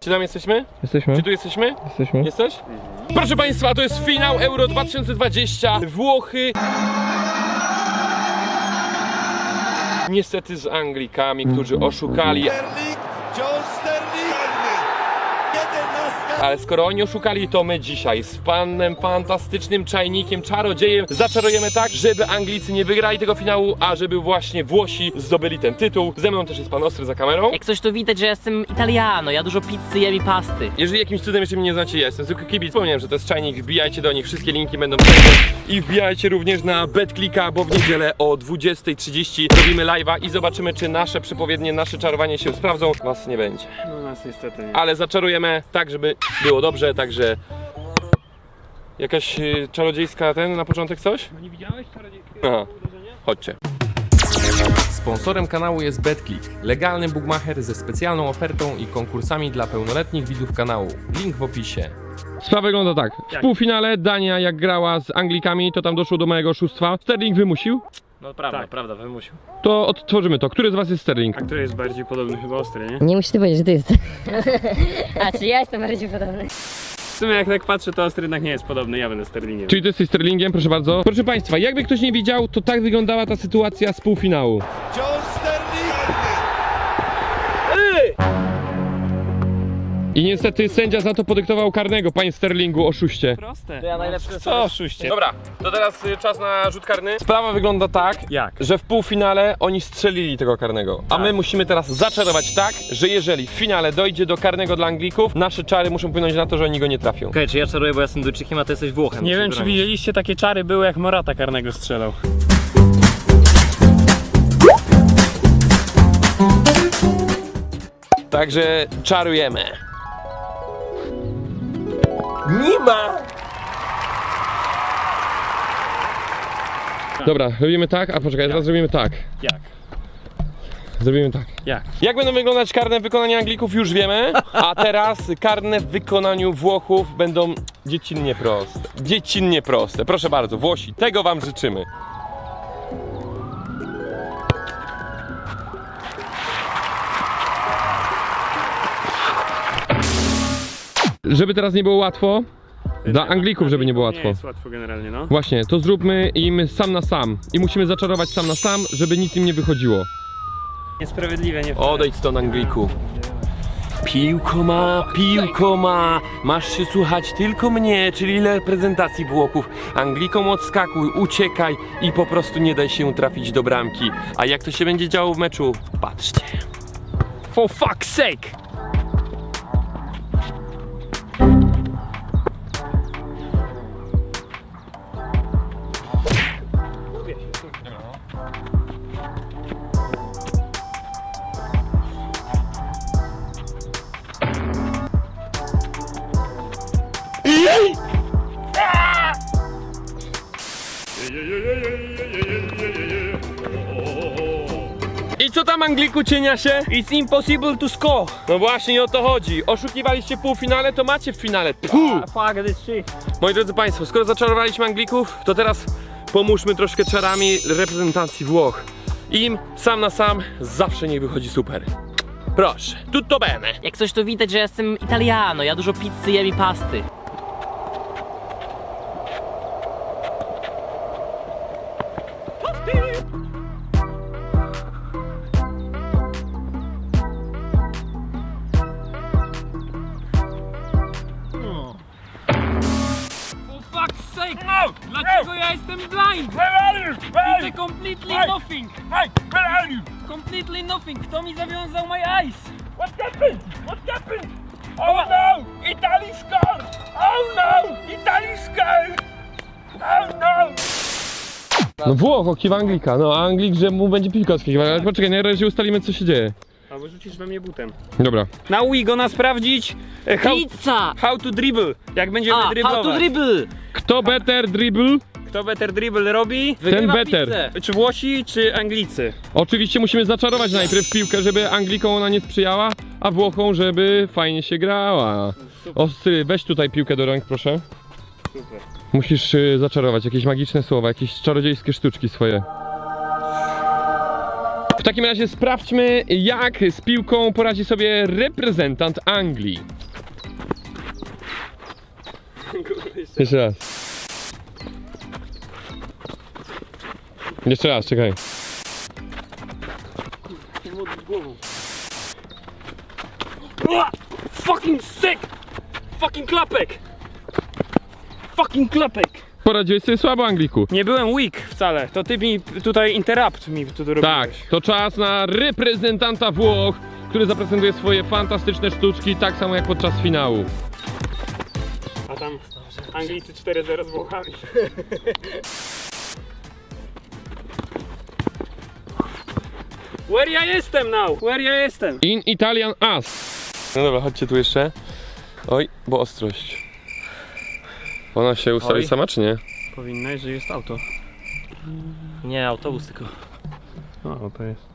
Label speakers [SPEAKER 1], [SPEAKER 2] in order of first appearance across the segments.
[SPEAKER 1] Czy tam jesteśmy?
[SPEAKER 2] Jesteśmy.
[SPEAKER 1] Czy tu jesteśmy?
[SPEAKER 2] Jesteśmy.
[SPEAKER 1] Jesteś? Proszę Państwa, to jest finał Euro 2020. Włochy. Niestety z Anglikami, którzy oszukali. Ale skoro oni oszukali, to my dzisiaj z panem fantastycznym czajnikiem, czarodziejem zaczarujemy tak, żeby Anglicy nie wygrali tego finału, a żeby właśnie Włosi zdobyli ten tytuł. Ze mną też jest pan Ostry za kamerą.
[SPEAKER 3] Jak coś to widać, że ja jestem Italiano, ja dużo pizzy jem i pasty.
[SPEAKER 1] Jeżeli jakimś cudem jeszcze mnie nie znacie, ja jestem zwykły kibic. Wspomniałem, że to jest czajnik, wbijajcie do nich, wszystkie linki będą wszędzie. I wbijajcie również na BetClicka, bo w niedzielę o 20:30 robimy live'a i zobaczymy, czy nasze przepowiednie, nasze czarowanie się sprawdzą. Was nie będzie.
[SPEAKER 4] No nas niestety nie.
[SPEAKER 1] Ale zaczarujemy tak, żeby było dobrze, także... Jakaś czarodziejska na początek coś?
[SPEAKER 4] No nie widziałeś czarodziejskiego
[SPEAKER 1] Aha,
[SPEAKER 4] uderzenia?
[SPEAKER 1] chodźcie. Sponsorem kanału jest BetClick, legalny bookmacher ze specjalną ofertą i konkursami dla pełnoletnich widzów kanału. Link w opisie. Sprawa wygląda tak. W
[SPEAKER 4] Jak?
[SPEAKER 1] półfinale Dania jak grała z Anglikami, to tam doszło do mojego oszustwa. Sterling wymusił.
[SPEAKER 3] No prawda,
[SPEAKER 4] Tak.
[SPEAKER 3] prawda, wymusił.
[SPEAKER 1] To odtworzymy to. Który z was jest Sterling?
[SPEAKER 4] A który jest bardziej podobny chyba Ostry, nie?
[SPEAKER 5] Nie musisz ty powiedzieć, że ty jesteś. A czy ja jestem bardziej podobny?
[SPEAKER 4] W sumie jak tak patrzę, to Ostry jednak nie jest podobny, ja będę Sterlingiem.
[SPEAKER 1] Czyli ty jesteś Sterlingiem, proszę bardzo. Proszę Państwa, jakby ktoś nie widział, to tak wyglądała ta sytuacja z półfinału. I niestety sędzia za to podyktował karnego, panie Sterlingu, oszuście.
[SPEAKER 4] Proste.
[SPEAKER 3] To ja najlepszy
[SPEAKER 4] Co oszuście?
[SPEAKER 1] Dobra, to teraz czas na rzut karny. Sprawa wygląda tak,
[SPEAKER 4] Jak?
[SPEAKER 1] że w półfinale oni strzelili tego karnego. A my musimy teraz zaczarować tak, że jeżeli w finale dojdzie do karnego dla Anglików, nasze czary muszą wpłynąć na to, że oni go nie trafią.
[SPEAKER 3] Okej, czy ja czaruję, bo ja jestem Duńczykiem, a ty jesteś Włochem.
[SPEAKER 4] Nie
[SPEAKER 3] Musisz
[SPEAKER 4] wiem, czy
[SPEAKER 3] bronić.
[SPEAKER 4] widzieliście, takie czary były, jak Morata karnego strzelał.
[SPEAKER 1] Także czarujemy. Nie ma! Dobra, robimy tak, a poczekaj, teraz zrobimy tak.
[SPEAKER 4] Jak?
[SPEAKER 1] Zrobimy tak.
[SPEAKER 4] Jak?
[SPEAKER 1] Jak będą wyglądać karne w wykonaniu Anglików, już wiemy. A teraz karne w wykonaniu Włochów będą dziecinnie proste. Dziecinnie proste. Proszę bardzo, Włosi, tego wam życzymy. Żeby teraz nie było łatwo, dla Anglików, żeby nie było łatwo.
[SPEAKER 4] Nie jest łatwo generalnie, no.
[SPEAKER 1] Właśnie, to zróbmy im sam na sam. I musimy zaczarować sam na sam, żeby nic im nie wychodziło.
[SPEAKER 4] Niesprawiedliwe, nie fair.
[SPEAKER 1] Odejdź stąd, Angliku. Piłko ma, masz się słuchać tylko mnie, czyli reprezentacji Włochów. Anglikom odskakuj, uciekaj i po prostu nie daj się trafić do bramki. A jak to się będzie działo w meczu? Patrzcie.
[SPEAKER 4] For fuck's sake!
[SPEAKER 1] I co tam, Angliku, cienia się?
[SPEAKER 4] It's impossible to score!
[SPEAKER 1] No właśnie o to chodzi. Oszukiwaliście w półfinale, to macie w finale. Puh!
[SPEAKER 4] Fuck this shit.
[SPEAKER 1] Moi drodzy Państwo, skoro zaczarowaliśmy Anglików, to teraz pomóżmy troszkę czarami reprezentacji Włoch. Im sam na sam zawsze nie wychodzi super. Proszę, tutto bene.
[SPEAKER 3] Jak coś to widać, że ja jestem Italiano, ja dużo pizzy jem i pasty.
[SPEAKER 4] For fuck's sake! No! Dlaczego ja jestem blind? Widzę completely nothing! Completely nothing! Kto mi zawiązał my eyes?
[SPEAKER 6] What happened? What happened? Oh no! Italy scored! Oh no! Italy scored! Oh no!
[SPEAKER 1] No Włoch okiwa Anglika, no a Anglik, że mu będzie piłka odskakiwać, ale poczekaj, na razie ustalimy, co się dzieje.
[SPEAKER 4] Albo rzucisz we mnie butem.
[SPEAKER 1] Dobra.
[SPEAKER 4] Now we gonna sprawdzić
[SPEAKER 3] Pizza!
[SPEAKER 4] how to dribble. Jak będziemy
[SPEAKER 3] A,
[SPEAKER 4] driblować.
[SPEAKER 3] how to dribble!
[SPEAKER 1] Kto better dribble?
[SPEAKER 4] Kto better dribble robi?
[SPEAKER 1] Ten
[SPEAKER 3] Wygrywa
[SPEAKER 1] better.
[SPEAKER 3] pizzę.
[SPEAKER 4] Czy Włosi, czy Anglicy?
[SPEAKER 1] Oczywiście musimy zaczarować najpierw piłkę, żeby Anglikom ona nie sprzyjała, a Włochom, żeby fajnie się grała. Ostry, weź tutaj piłkę do rąk, proszę.
[SPEAKER 4] Super.
[SPEAKER 1] Musisz zaczarować jakieś magiczne słowa, jakieś czarodziejskie sztuczki swoje. W takim razie sprawdźmy, jak z piłką poradzi sobie reprezentant Anglii. Jeszcze raz. Jeszcze raz, czekaj.
[SPEAKER 4] Fucking sick! Fucking klapek! Fucking klapek!
[SPEAKER 1] Poradziłeś sobie słabo, Angliku.
[SPEAKER 4] Nie byłem weak wcale, to ty mi tutaj interrupt mi tu robiłeś.
[SPEAKER 1] Tak, to czas na reprezentanta Włoch, który zaprezentuje swoje fantastyczne sztuczki, tak samo jak podczas finału.
[SPEAKER 4] A tam Anglicy 4-0 z Włochami. Where ja jestem now? Where ja jestem?
[SPEAKER 1] In Italian As. No dobra, chodźcie tu jeszcze. Oj, bo ostrość. Ona się ustawi
[SPEAKER 4] Oj.
[SPEAKER 1] sama, czy nie?
[SPEAKER 4] Powinnaś, że jest auto.
[SPEAKER 3] Nie, autobus tylko.
[SPEAKER 1] O, to jest.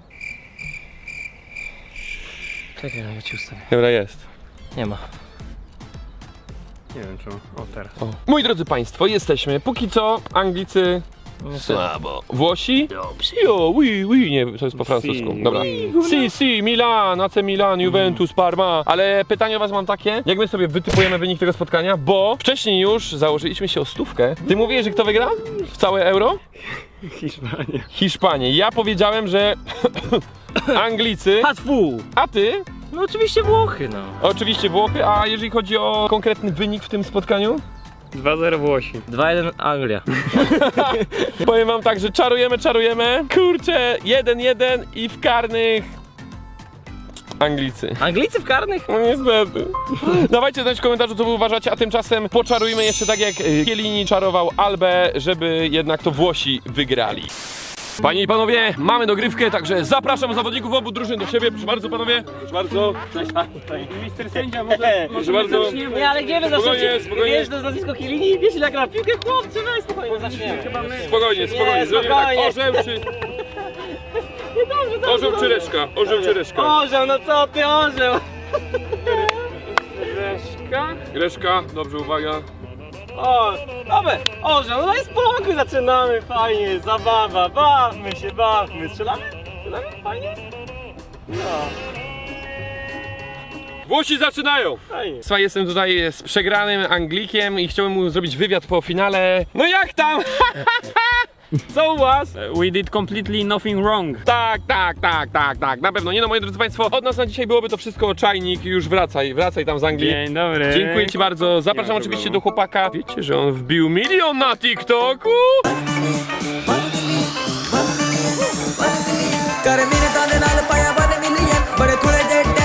[SPEAKER 3] Czekaj, ja ci ustawię.
[SPEAKER 1] Dobra, jest.
[SPEAKER 3] Nie ma.
[SPEAKER 4] Nie wiem czemu. O, teraz.
[SPEAKER 1] O. Moi drodzy Państwo, jesteśmy. Póki co Anglicy słabo. Włosi? Jo, oui, nie, to jest po francusku. Dobra. Si, Milan, AC Milan, Juventus, Parma. Ale pytanie o was mam takie, jak my sobie wytypujemy wynik tego spotkania, bo wcześniej już założyliśmy się o 100. Ty mówiłeś, że kto wygra w całe euro?
[SPEAKER 4] Hiszpania.
[SPEAKER 1] Hiszpanie. Ja powiedziałem, że Anglicy,
[SPEAKER 3] Haspu!
[SPEAKER 1] a ty?
[SPEAKER 3] No oczywiście Włochy, no.
[SPEAKER 1] Oczywiście Włochy, a jeżeli chodzi o konkretny wynik w tym spotkaniu?
[SPEAKER 4] 2-0 Włosi.
[SPEAKER 3] 2-1 Anglia.
[SPEAKER 1] Powiem wam tak, że czarujemy. Kurczę, 1-1 i w karnych Anglicy.
[SPEAKER 3] Anglicy w karnych?
[SPEAKER 1] No niestety. Dawajcie znać w komentarzu, co wy uważacie, a tymczasem poczarujmy jeszcze tak jak Chiellini czarował Albę, żeby jednak to Włosi wygrali. Panie i panowie, mamy dogrywkę, także zapraszam zawodników obu drużyn do siebie. Proszę bardzo panowie. Proszę bardzo.
[SPEAKER 4] Mister sędzia, może
[SPEAKER 1] bardzo.
[SPEAKER 4] zaczniemy?
[SPEAKER 3] Nie, ale nie,
[SPEAKER 1] Spokojnie, spokojnie.
[SPEAKER 3] Wiesz, to jest nazwisko Chiellini, wiesz ile gra w piłkę, chłopcy, weź spokojnie, zaczniemy.
[SPEAKER 1] Spokojnie.
[SPEAKER 3] Nie,
[SPEAKER 1] Zrobimy tak.
[SPEAKER 3] spokojnie.
[SPEAKER 1] Orzeł czy... Orzeł czy reszka? Orzeł czy reszka?
[SPEAKER 3] Orzeł, no co ty, orzeł?
[SPEAKER 4] Reszka?
[SPEAKER 1] Reszka, dobrze, uwaga.
[SPEAKER 3] O, dobra, orzeł, no i spokój, zaczynamy, fajnie, zabawa, bawmy się, strzelamy? Strzelamy? Fajnie? No,
[SPEAKER 1] Włosi zaczynają!
[SPEAKER 3] fajnie.
[SPEAKER 1] Słuchaj, jestem tutaj z przegranym Anglikiem i chciałem mu zrobić wywiad po finale. No jak tam? Co u was?
[SPEAKER 4] We did completely nothing wrong.
[SPEAKER 1] Tak, na pewno. Nie no, moi drodzy państwo, od nas na dzisiaj byłoby to wszystko. Czajnik, już wracaj tam z Anglii.
[SPEAKER 4] Dzień dobry.
[SPEAKER 1] Dziękuję ci bardzo. Zapraszam
[SPEAKER 4] Nie ma
[SPEAKER 1] oczywiście
[SPEAKER 4] problemu.
[SPEAKER 1] do chłopaka. Wiecie, że on wbił 1 milion na TikToku?
[SPEAKER 2] ਕਰ ਮੇਰੇ ਦਾਦੇ ਨਾਲ ਪਾਇਆ 1 ਮਿਲੀਅਨ ਬੜੇ ਥੋੜੇ ਜਿਹੇ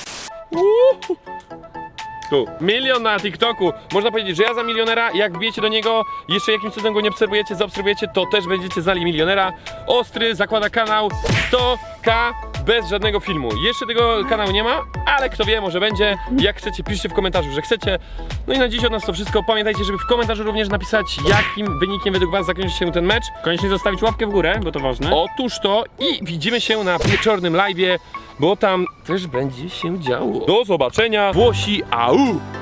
[SPEAKER 1] Tu, 1 milion na TikToku. Można powiedzieć, że ja za milionera, jak wbijecie do niego, jeszcze jakimś cudem go nie obserwujecie, zaobserwujecie, to też będziecie zali milionera. Ostry zakłada kanał 100K bez żadnego filmu. Jeszcze tego kanału nie ma, ale kto wie, może będzie. Jak chcecie, piszcie w komentarzu, że chcecie. No i na dziś od nas to wszystko. Pamiętajcie, żeby w komentarzu również napisać, jakim wynikiem według was zakończy się ten mecz.
[SPEAKER 4] Koniecznie zostawić łapkę w górę, bo to ważne.
[SPEAKER 1] Otóż to i widzimy się na wieczornym live'ie, bo tam też będzie się działo. Do zobaczenia, Włosi, au!